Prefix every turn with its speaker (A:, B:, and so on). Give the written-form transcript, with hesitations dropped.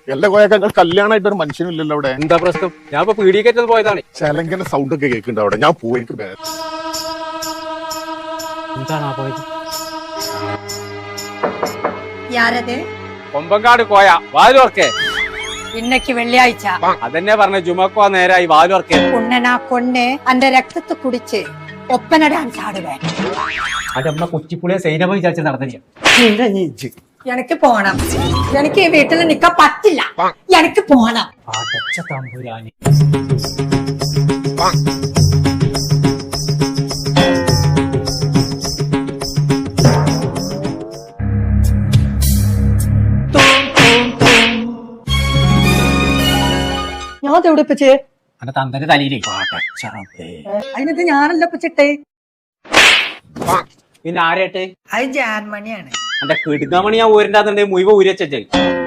A: എല്ലാ കോയക്ക കല്യാണമായിട്ട് ഒരു മനുഷ്യനില്ലല്ലോ അവിടെ.
B: എന്താ പ്രശ്നം? ഞാൻ ഇപ്പൊ പീഡിയക്കേറ്റത് പോയതാണ്.
A: ചെലങ്കന സൗണ്ട് ഒക്കെ കേൾക്കുന്നുണ്ട് അവിടെ. ഞാൻ പോയി
B: എന്താണ് പോയത്?
C: യാരത്?
B: കൊമ്പങ്കാട് കോയ വാലുവർക്കേ.
C: ഇന്നക്ക് വെള്ളിയാഴ്ച
B: അതെന്നെ പറഞ്ഞ ജുമക്കോ നേരായി വാലുവർക്കേ.
C: ഉണ്ണനാ കൊണ്ണ് അന്റെ രക്തത്തെ കുടിച്ച് ഒപ്പന ഡാൻസ് ആടുവേ.
B: അന്റെ അമ്മ കുച്ചിപ്പുളിയെ സൈനമ വിചാരിച്ച് നടന്നില്ല.
C: എനിക്ക് പോണം. എനിക്ക് ഈ വീട്ടിൽ നിക്കാൻ പറ്റില്ല. എനിക്ക് പോണം.
B: അടച്ച തമ്പുരാനി.
C: ഞാൻ തെവിടിപ്പിച്ച്
B: അന്റെ തന്തന്റെ തലയിലേ.
C: അതിനത് ഞാനല്ല പിച്ചിട്ടേ.
B: പിന്നെ ആരേട്ടെ?
C: അത് ജാൻമണിയാണ്.
B: എന്റെ കിടുങ്ങമണി ഞാൻ ഊരിണ്ടാന്നുണ്ടെ മുഴുവൻ ഊരി വെച്ചേ.